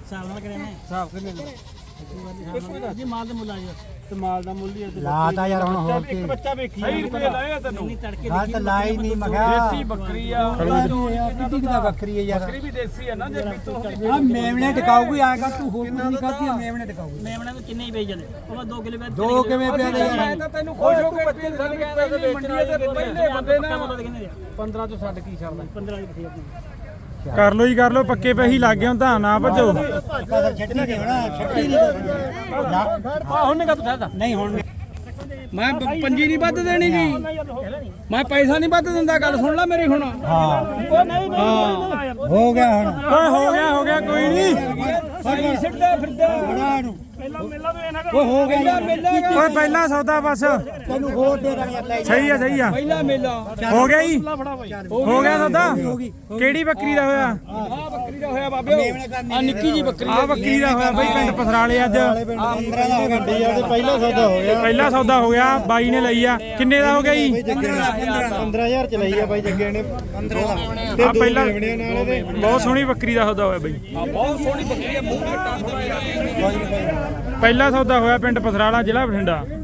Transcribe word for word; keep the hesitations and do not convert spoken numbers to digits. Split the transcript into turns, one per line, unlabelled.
ਹਿਸਾਬ ਨਾਲ ਕਰਿਆ ਮੈਂ
ਹਿਸਾਬ ਕਿੰਨੇ ਦਾ
ਜੀ ਮਾਲ ਦਾ ਮੁੱਲ ਆ ਜੀ
ਤੇ ਮਾਲ ਦਾ ਮੁੱਲ ਹੀ
ਲਾਤਾ ਯਾਰ ਹੁਣ ਹੋਰ ਕੀ
ਇੱਕ ਬੱਚਾ ਵੇਖੀ
ਸਹੀ ਰੁਪਏ ਲਾਏ ਤੈਨੂੰ
ਨਹੀਂ ਤੜਕੇ
ਗੱਲ ਤਾਂ ਲਾਈ ਨਹੀਂ ਮਗਾ
ਦੇਸੀ ਬੱਕਰੀ ਆ
ਕਿੱਡੀ ਕਿਦਾ ਬੱਕਰੀ ਹੈ ਯਾਰ
ਬੱਕਰੀ ਵੀ ਦੇਸੀ ਆ ਨਾ ਜੇ ਪੀਤੋਂ
ਆ ਮੇਵਣੇ ਟਿਕਾਊਗੀ ਆਏਗਾ ਤੂੰ ਹੋਰ ਕੁਝ ਨਹੀਂ ਖਾਦੀ ਮੇਵਣੇ ਟਿਕਾਊਗੀ
ਮੇਮਣਾ ਨੂੰ ਕਿੰਨੇ ਹੀ ਵੇਚ ਜਾਂਦੇ ਉਹ ਦੋ ਕਿਲੋ ਵੇਚ
ਦੋ ਕਿਵੇਂ ਪਿਆ ਦੇ
ਮੈਂ
ਯਾਰ
ਤਾਂ ਤੈਨੂੰ ਖੁਸ਼ ਹੋ ਕੇ ਬੱਚੇ ਸਾਡੇ ਕਹਿੰਦੇ ਮੰਡੀਆਂ ਤੇ ਪਹਿਲੇ ਬੰਦੇ
ਪੱਕਾ
ਨਾ
ਮੁੱਲ ਕਿੰਨੇ ਦੇ
ਪੰਦਰਾਂ ਤੋਂ ਛੱਡ ਕੀ ਛੱਡਦਾ
ਪੰਦਰਾਂ ਦੀ ਬਥੇਰੀ ਆਪਣੀ
ਕਰ ਲੋ ਜੀ ਕਰ ਲੋ ਪੱਕੇ ਪੈਸੇ ਲੱਗ ਗਏ ਹੁਣ ਤਾਂ ਨਾ ਭੱਜੋ
ਕਦਰ ਛੱਡੀ ਨਹੀਂ ਹੋਣਾ ਛੱਡੀ ਨਹੀਂ
ਆ ਹੁਣ ਨਿਕਾ ਤੂੰ ਠਹਿਰਦਾ
ਨਹੀਂ ਹੁਣ
ਮੈਂ ਪ- ਪੰਜੀ ਨਹੀਂ ਵੱਧ ਦੇਣੀ ਜੀ ਮੈਂ ਪੈਸਾ ਨਹੀਂ ਵੱਧ ਦਿੰਦਾ ਗੱਲ ਸੁਣ ਲੈ ਮੇਰੀ ਹੁਣ
ਹਾਂ
ਉਹ ਨਹੀਂ ਨਹੀਂ
ਹੋ ਗਿਆ ਹੁਣ
ਓਏ ਹੋ ਗਿਆ ਹੋ ਗਿਆ ਕੋਈ ਨਹੀਂ
ਸਹੀ ਸਿੱਟਦਾ ਫਿਰਦਾ
ਬੜਾ ਨੂੰ
ਪਹਿਲਾਂ ਮੇਲਾ ਤੋਂ ਇਹਨਾਂ
ਉਹ ਹੋ ਗਿਆ ਯਾਰ
ਓਏ ਪਹਿਲਾ ਸੌਦਾ ਬਸ
ਤੈਨੂੰ ਹੋਰ ਦੇ ਦਾਂਗੇ ਲੈ ਜਾ।
ਸਹੀ ਆ ਸਹੀ ਆ
ਪਹਿਲਾ ਮੇਲਾ
ਹੋ ਗਿਆ ਜੀ ਹੋ ਗਿਆ ਸੌਦਾ
ਹੋ ਗਈ
ਕਿਹੜੀ ਬੱਕਰੀ ਦਾ ਹੋਇਆ
ਆ ਬੱਕਰੀ ਦਾ ਹੋਇਆ ਬਾਬੇ
ਮੇਵਣੇ ਕਰਨੀ
ਆ ਨਿੱਕੀ ਜੀ ਬੱਕਰੀ
ਆ ਬੱਕਰੀ ਦਾ ਹੋਇਆ ਬਈ ਪਿੰਡ ਪਥਰਾਲੇ ਅੱਜ
ਪੰਦਰਾਂ ਦਾ ਗੱਡੀ ਆ ਤੇ ਪਹਿਲਾ ਸੌਦਾ ਹੋ ਗਿਆ
ਪਹਿਲਾ ਸੌਦਾ ਹੋ ਗਿਆ ਬਾਈ ਨੇ ਲਈ ਆ ਕਿੰਨੇ ਦਾ ਹੋ ਗਿਆ ਜੀ
ਪੰਦਰਾਂ ਹਜ਼ਾਰ ਚ ਲਈ ਆ ਬਾਈ ਜੱਗੇ ਨੇ ਪੰਦਰਾਂ ਦਾ
ਆ ਪਹਿਲਾ ਬਹੁਤ ਸੋਹਣੀ ਬੱਕਰੀ ਦਾ ਸੌਦਾ ਹੋਇਆ ਬਈ
ਬਹੁਤ ਸੋਹਣੀ ਬੱਕਰੀ ਆ ਮੂੰਹ ਘੱਟਾ ਸੋਹਣਾ
ਪਹਿਲਾ ਸੌਦਾ ਹੋਇਆ ਪਿੰਡ ਪਥਰਾਲਾ ਜ਼ਿਲ੍ਹਾ ਬਠਿੰਡਾ